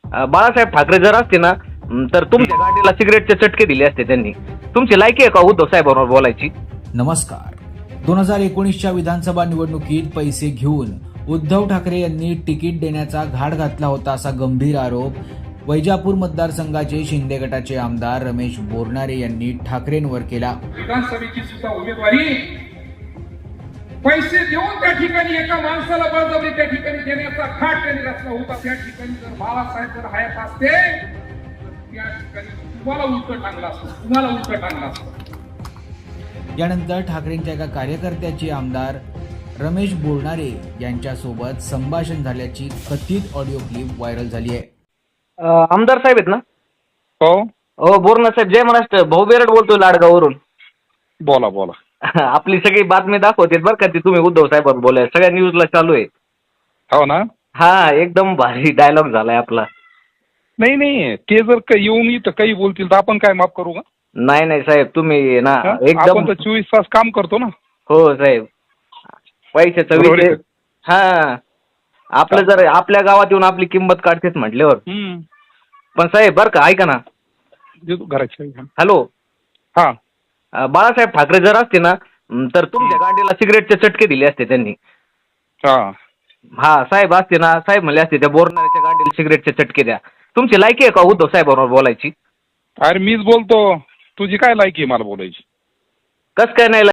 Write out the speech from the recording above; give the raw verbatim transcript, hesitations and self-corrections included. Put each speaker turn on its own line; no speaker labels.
अ, बाळासाहेब ठाकरे जर असते ना म, तर तुमच्या गाडीला सिगरेटचे चटके दिले असते त्यांनी. तुमची लायकी आहे का उद्धव साहेबांवर बोलायची?
नमस्कार. दोन हजार एकोणीसच्या विधानसभा निवडणुकीत पैसे घेऊन उद्धव ठाकरे यांनी तिकीट देण्याचा घाट घातला होता, असा गंभीर आरोप वैजापूर मतदारसंघाचे शिंदे गटाचे आमदार रमेश बोरनारे यांनी ठाकरेंवर केला.
विधानसभेची सुद्धा उमेदवारी पैसे देऊन त्या ठिकाणी एका माणसाला बळजबरी त्या ठिकाणी देण्याचा घाट त्यांनी रचला होता. त्या ठिकाणी जर बाळासाहेब जर हयात असते त्या ठिकाणी तुम्हाला उलट टांगला असतो, तुम्हाला उलट टांगला असतो.
यानंतर ठाकरेंच्या एका कार्यकर्त्याची आमदार रमेश बोरनारे यांच्यासोबत संभाषण झाल्याची कथित ऑडिओ क्लिप व्हायरल झाली आहे.
अ, आमदार साहेब आहेत ना?
हो,
हो बोरना साहेब, जय महाराष्ट्र. भाऊ बेरड बोलतोय लाडगाववरून.
बोला बोला.
आपली सगळी बातमी दाखवते बरं का, ती तुम्ही उद्धव साहेबांवर बोलाय सगळ्या न्यूजला चालू आहे.
हो ना.
हा, एकदम भारी डायलॉग झालाय आपला.
नाही नाही, ते जर का येऊन इथं काही बोलतील तर आपण काय माफ करू का?
नाही नाही साहेब, तुम्ही ना
हा?
एकदम.
आपण तर चोवीस तास काम करतो ना.
हो साहेब, पैशाचा
बरोबर
विषय.
आहे.
हा, आपलं जर आपल्या गावात येऊन आपली किंमत काढतेच म्हटल्यावर.
हम्म.
पण साहेब बरं का, ऐका ना.
देतो घराची.
हॅलो.
हा.
अ, बाळासाहेब ठाकरे जर असते ना म, तर तुमच्या गाडीला सिगरेटचे चटके दिले असते त्यांनी.
हा.
हा साहेब असते ना, साहेब म्हणले असते त्या बोरणाऱ्याच्या गाडीला सिगरेटचे चटके द्या. तुमची लायकी आहे का उद्धव साहेबांवर बोलायची?
अरे मीच बोलतो, तुझी काय लायकी आहे मला बोलायची?
कस काय नाही